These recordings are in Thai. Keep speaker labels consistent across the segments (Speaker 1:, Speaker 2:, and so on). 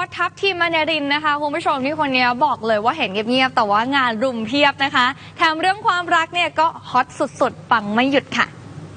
Speaker 1: ทัพทีมมณีรินนะคะคุณผู้ชมที่คนนี้บอกเลยว่าเห็นเงียบๆแต่ว่างานรุมเพียบนะคะแถมเรื่องความรักเนี่ยก็ฮอตสุดๆปังไม่หยุดค่ะ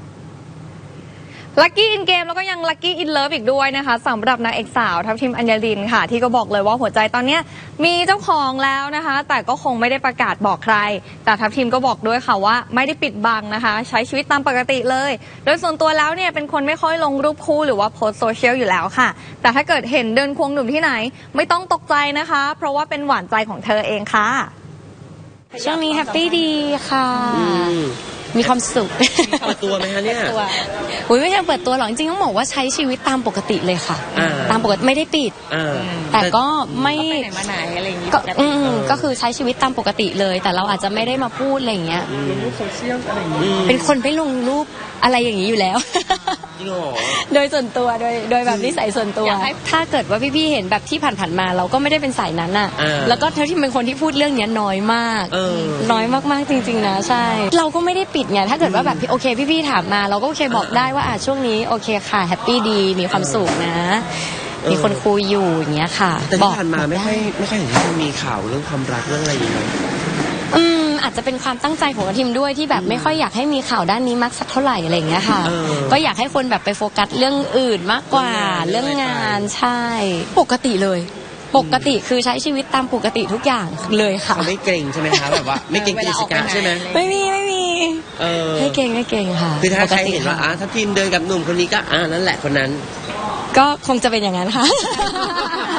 Speaker 1: ลัคกี้อินเกมแล้วก็ยังลัคกี้อินเลิฟอีกด้วยนะคะสำหรับนางเอกสาวทัพทีมอัญญลินค่ะที่ก็บอกเลยว่าหัวใจตอนนี้มีเจ้าของแล้วนะคะแต่ก็คงไม่ได้ประกาศบอกใครแต่ทัพทีมก็บอกด้วยค่ะว่าไม่ได้ปิดบังนะคะใช้ชีวิตตามปกติเลยโดยส่วนตัวแล้วเนี่ยเป็นคนไม่ค่อยลงรูปคู่หรือว่าโพสโซเชียลอยู่แล้วค่ะแต่ถ้าเกิดเห็นเดินควงหนุ่มที่ไหนไม่ต้องตกใจนะคะเพราะว่าเป็นหวานใจของเธอเองค่ะ
Speaker 2: ช่วงนี้แฮปปี้ดีค่ะมีความสุข
Speaker 3: เปิดตัวไหมคะเนี่ย
Speaker 2: ไม่ใช่เปิดตัวหรอกจริงๆต้องบอกว่าใช้ชีวิตตามปกติเลยค่ะตามปกติไม่ได้ปิดแต่ก็ไม่
Speaker 1: ไปไหนมาไหนอะไรอย่างงี้
Speaker 2: ก็คือใช้ชีวิตตามปกติเลยแต่เราอาจจะไม่ได้มาพูดอะไรอย่างเงี้ย
Speaker 3: ลงรูปโซเชียลอะไรอย่างงี้
Speaker 2: เป็นคนไม่ลงรูปอะไรอย่างนี้อยู่แล้วโดยส่วนตัวโดยแบบนิสัยส่วนตัวถ้าเกิดว่าพี่ๆเห็นแบบที่ผ่านๆมาเราก็ไม่ได้เป็นสายนั้นอ่ะแล้วก็เท่าที่เป็นคนที่พูดเรื่องนี้น้อยมากน้อยมากๆจริงๆนะใช่เราก็ไม่ได้ปิดไงถ้าเกิดว่าแบบโอเคพี่ๆถามมาเราก็โอเคบอกได้ว่าช่วงนี้โอเคค่ะแฮปปี้ดีมีความสุขนะมีคนคุยอยู่อย่างเงี้ยค่ะ
Speaker 3: แต่ที่ผ่านมาไม่ค่อยเห็นที่มีข่าวเรื่องความรักเรื่องอะไรอย่างเงี้ย
Speaker 2: อาจจะเป็นความตั้งใจของทีมด้วยที่แบบไม่ค่อยอยากให้มีข่าวด้านนี้มากสักเท่าไหร่อะไรอย่างเงี้ยค่ะก็อยากให้คนแบบไปโฟกัสเรื่องอื่นมากกว่าเรื่องงานใช่ปกติเลยปกติคือใช้ชีวิตตามปกติทุกอย่างเลยค่ะ
Speaker 3: ไม่เกรงใช่ไหมคะแบบว่าไม่เกรงกิจการใช่ไหม
Speaker 2: ไม่มีไม่เกรงค่ะ
Speaker 3: คือถ้าใครเห็นว่าถ้าทีมเดินกับหนุ่มคนนี้ก็นั่นแหละคนนั้น
Speaker 2: ก็คงจะเป็นอย่างนั้นค่ะ